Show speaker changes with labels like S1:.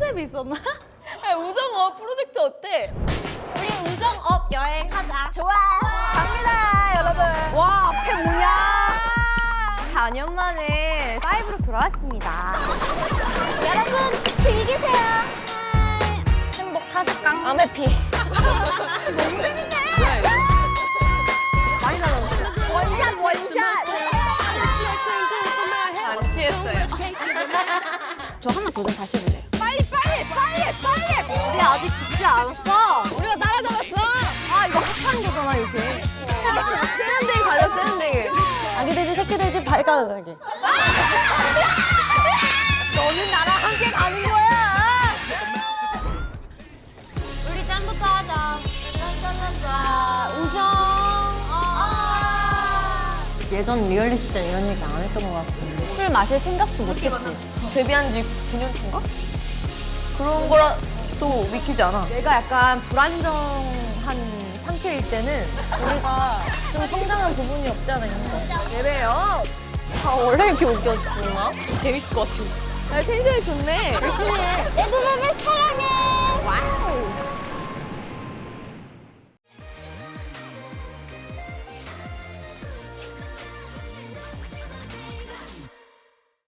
S1: 컨셉이 있었나?
S2: 야, 우정업 프로젝트 어때?
S3: 우리 우정업 여행하자.
S2: 좋아. 갑니다, 여러분.
S1: 와, 앞에 뭐냐?
S2: 4년 만에 5로 돌아왔습니다.
S3: 여러분 즐기세요. 행복하실까?
S2: 아메피.
S3: 너무 재밌네.
S2: 많이 나눴어요. 원샷. 안 취했어요.
S1: 저 하나 도전 다시 해볼래요.
S2: 빨리.
S1: 우리 아직 죽지 않았어.
S2: 우리가 따라잡았어.
S1: 아, 이거 핫한 거잖아, 요새.
S2: 세련되게 가자, 세련되게.
S1: 아기 돼지, 새끼 돼지, 발가락이.
S2: 너는 나랑 함께 가는 거야.
S3: 우리 짠부터 하자. 짠짠짠짠. 우정.
S1: 예전 리얼리티 때 이런 얘기 안 했던 것 같은데. 술 마실 생각도 못 했지.
S2: 데뷔한 지 9년 차인가? 그런 거라도 믿기지 않아.
S1: 내가 약간 불안정한 상태일 때는 우리가 좀 성장한 부분이 없지 않아 있는 거.
S2: 예배요.
S1: 아, 원래 이렇게 웃겨주나?
S2: 재밌을 것 같아. 아, 텐션이 좋네.
S1: 열심히 해.
S3: 레드벨벳 사랑해. 와우.